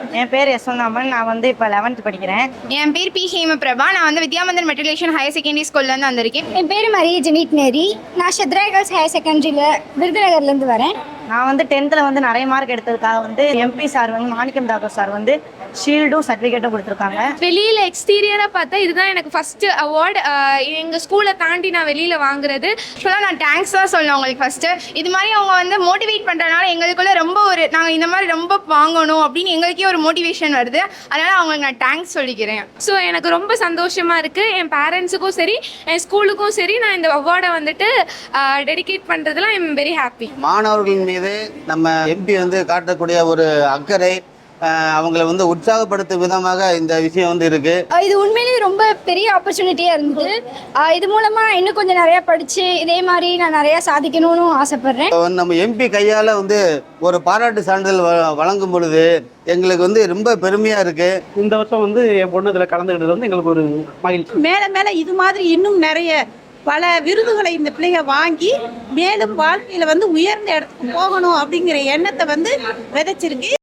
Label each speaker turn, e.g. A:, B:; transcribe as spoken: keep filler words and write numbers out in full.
A: என் பேர் யசோந்தாமன். நான் வந்து இப்போ லெவன்த் படிக்கிறேன்.
B: என் பேர் பி ஹேமபிரபா. நான் வந்து வித்யாமந்தன் மெட்ரிகுலேஷன் ஹையர் செகண்டரி ஸ்கூல்லேருந்து வந்திருக்கேன்.
C: என் பேர் மரிய ஜெனிட் மேரி. நான் ஷத்ரா கேர்ள்ஸ் ஹையர் செகண்டரியில் விருதுநகர்லேருந்து வரேன்.
A: நான் வந்து டென்த்தில் வந்து நிறைய மார்க் எடுத்ததுக்காக வந்து எம்பி சார் வந்து மாணிக்கம் தாக்கூர் சார் வந்து ஷீல்டும் சர்டிஃபிகேட்டும் கொடுத்துருக்காங்க.
D: வெளியில் எக்ஸ்டீரியராக பார்த்தா இதுதான் எனக்கு ஃபஸ்ட்டு அவார்டு எங்கள் ஸ்கூலை தாண்டி நான் வெளியில் வாங்குறது.
B: ஆக்சுவலாக நான் தேங்க்ஸ் தான் சொல்லணும் உங்களுக்கு ஃபஸ்ட்டு. இது மாதிரி அவங்க வந்து மோட்டிவேட் பண்ணுறதுனால எங்களுக்குள்ள ரொம்ப ஒரு நாங்கள் இந்த மாதிரி ரொம்ப வாங்கணும் அப்படின்னு எங்களுக்கே ஒரு மோட்டிவேஷன் வருது. அதனால் அவங்களுக்கு நான் தேங்க்ஸ் சொல்லிக்கிறேன்.
D: ஸோ எனக்கு ரொம்ப சந்தோஷமாக இருக்குது. என் பேரண்ட்ஸுக்கும் சரி என் ஸ்கூலுக்கும் சரி நான் இந்த அவார்டை வந்துட்டு டெடிகேட் பண்ணுறதுலாம் ஐ எம் வெரி ஹாப்பி.
E: மாணவர்கள் மீது நம்ம எம்பி வந்து காட்டக்கூடிய ஒரு அக்கறை, அவங்களை வந்து உற்சாகப்படுத்தும் விதமாக இந்த விஷயம் வந்து இருக்கு.
C: இது உண்மையிலேயே ரொம்ப பெரிய ஆப்பர்ச்சுனிட்டியாக இருந்தது. இது மூலமாக இன்னும் கொஞ்சம் நிறையா படித்து இதே மாதிரி நான் நிறையா சாதிக்கணும்னு ஆசைப்பட்றேன்.
E: நம்ம எம்பி கையால் வந்து ஒரு பாராட்டு சான்றிதழ் வழங்கும் பொழுது எங்களுக்கு வந்து ரொம்ப பெருமையா இருக்கு.
F: இந்த வருஷம் வந்து என் பொண்ணு இதில் கலந்துக்கிட்டது வந்து எங்களுக்கு ஒரு மகிழ்ச்சி.
G: மேல மேல இது மாதிரி இன்னும் நிறைய பல விருதுகளை இந்த பிள்ளைங்க வாங்கி மேலும் வாழ்க்கையில வந்து உயர்ந்த இடத்துக்கு போகணும் அப்படிங்கிற எண்ணத்தை வந்து விதைச்சிருக்கு.